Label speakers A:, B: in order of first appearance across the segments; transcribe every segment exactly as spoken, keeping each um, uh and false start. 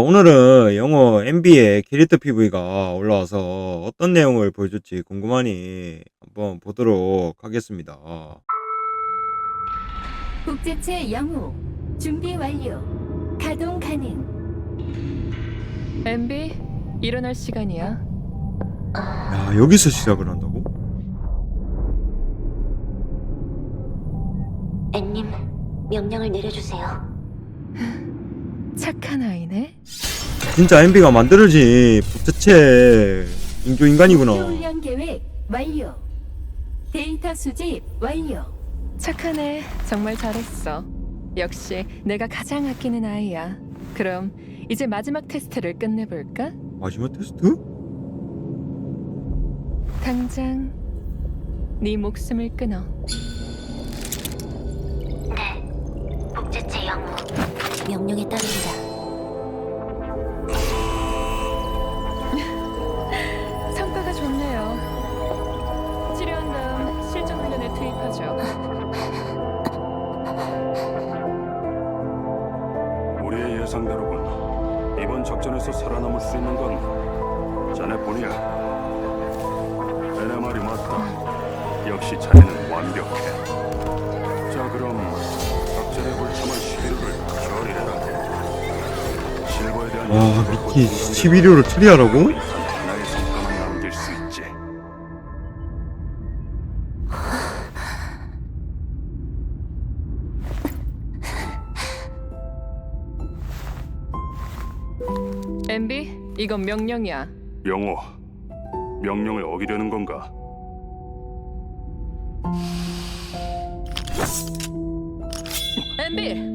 A: 오늘은 영어 엠비의 캐릭터 피브이가 올라와서 어떤 내용을 보여줄지 궁금하니 한번 보도록 하겠습니다.
B: 복제체 영우 준비 완료. 가동 가능.
C: 엠비, 일어날 시간이야.
A: 야, 여기서 시작을 한다고?
D: 앤님, 명령을 내려주세요.
C: 착한 아이네.
A: 진짜 엠비가 만들어진 복제체 인조인간이구나.
B: 목표 훈련 계획 완료. 데이터 수집 완료.
C: 착하네. 정말 잘했어. 역시 내가 가장 아끼는 아이야. 그럼 이제 마지막 테스트를 끝내볼까?
A: 마지막 테스트?
C: 당장 네 목숨을 끊어.
D: 네, 복제체 영우. 명령에 따릅니다.
C: 성과가 좋네요. 치료한 다음 실전 훈련에 투입하죠.
E: 우리의 예상대로군. 이번 작전에서 살아남을 수 있는 건 자네뿐이야. 내 말이 맞다. 역시 자네는 완벽해. 자, 그럼 작전에 불참한 십일호를 처리해라. 실버에 대한
A: 와,
E: 연구를
A: 미키
E: 거듭하면
A: 십일 호를 처리하라고?
E: 단 하나의 성과만 남길 수 있지.
C: 엠비, 이건 명령이야.
E: 영호, 명령을 어기려는 건가?
C: 엠비!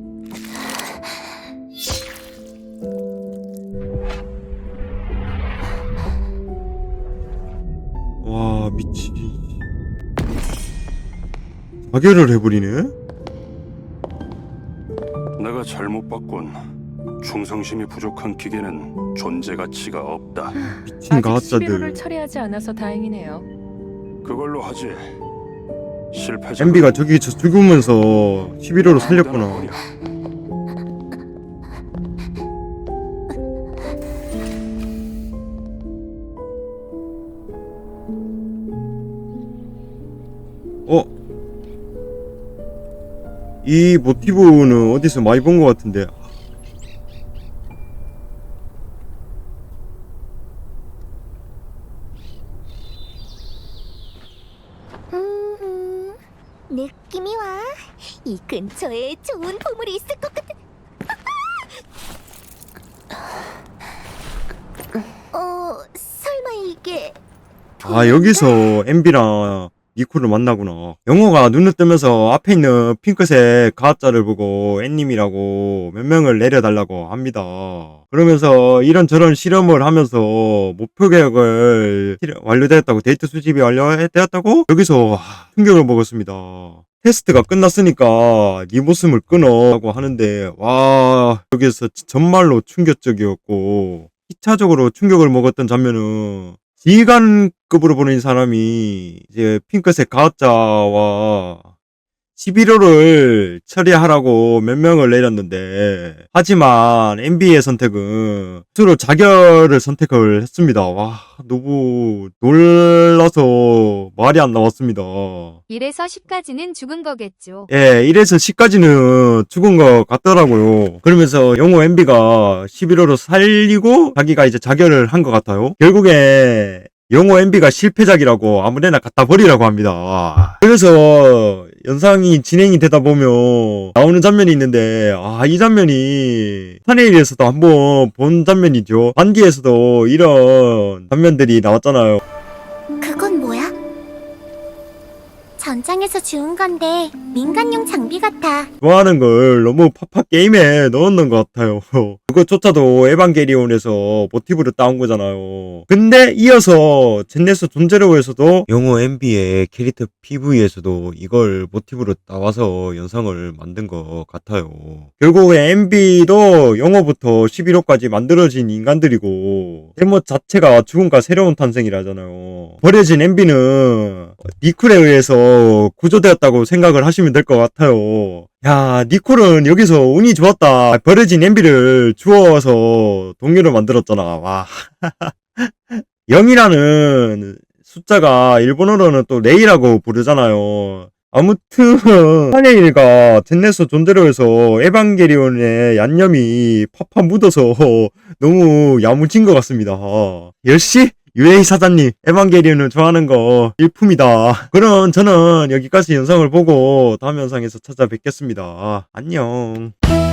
A: 와, 미치. 자결을 해버리네?
E: 내가 잘못 봤군. 충성심이 부족한 기계는 존재 가치가 없다.
A: 미친
C: 아직 십일 호를
A: 가짜들.
C: 처리하지 않아서 다행이네요.
E: 그걸로 하지. 실패자.
A: 엠비가 저기서 죽으면서 십일 호로 살렸구나. 어? 이 모티브는 어디서 많이 본 것 같은데.
D: 음, 느낌이 와. 이 근처에 좋은 보물이 있을 것 같아. 어, 설마 이게
A: 아, 여기서 엠비랑 니코를 만나구나. 영호가 눈을 뜨면서 앞에 있는 핑크색 가짜를 보고 앤님이라고 몇 명을 내려달라고 합니다. 그러면서 이런저런 실험을 하면서 목표 계획을 실현- 완료되었다고, 데이터 수집이 완료되었다고 여기서 하, 충격을 먹었습니다. 테스트가 끝났으니까 네 목숨을 끊어 라고 하는데, 와, 여기서 정말로 충격적이었고 이 차적으로 충격을 먹었던 장면은 지휘관급으로 보는 사람이 이제 핑크색 가짜와 십일 호를 처리하라고 몇 명을 내렸는데, 하지만 엠비의 선택은 스스로 자결을 선택을 했습니다. 와, 너무 놀라서 말이 안 나왔습니다.
F: 일에서 십까지는 죽은 거겠죠.
A: 예, 일에서 십까지는 죽은 것 같더라고요. 그러면서 영호 엠비가 십일 호로 살리고 자기가 이제 자결을 한 것 같아요. 결국에 영호 엠비가 실패작이라고 아무데나 갖다 버리라고 합니다. 그래서 영상이 진행이 되다 보면 나오는 장면이 있는데, 아, 이 장면이 타네일에서도 한번 본 장면이죠. 반디에서도 이런 장면들이 나왔잖아요.
D: 그건 뭐야? 전장에서 주운 건데 민간용 장비 같아.
A: 좋아하는 걸 너무 팝팝 게임에 넣었는 것 같아요. 그것조차도 에반게리온에서 모티브를 따온 거잖아요. 근데 이어서 젠네스 존제로에서도 영어 엠비의 캐릭터 피브이에서도 이걸 모티브로 따와서 영상을 만든 것 같아요. 결국에 엠비도 영어부터 십일 호까지 만들어진 인간들이고 제목 자체가 죽음과 새로운 탄생이라잖아요. 버려진 엠비는 니쿨에 의해서 구조되었다고 생각을 하시면 될 것 같아요. 야, 니콜은 여기서 운이 좋았다. 버려진 엠비를 주워서 동료를 만들었잖아. 와. 영이라는 숫자가 일본어로는 또 레이라고 부르잖아요. 아무튼 한예일가 젠네스 존대로에서 에반게리온의 얀념이 팍팍 묻어서 너무 야무진 것 같습니다. 역시 유에이 사장님 에반게리온을 좋아하는 거 일품이다. 그럼 저는 여기까지 영상을 보고 다음 영상에서 찾아뵙겠습니다. 안녕.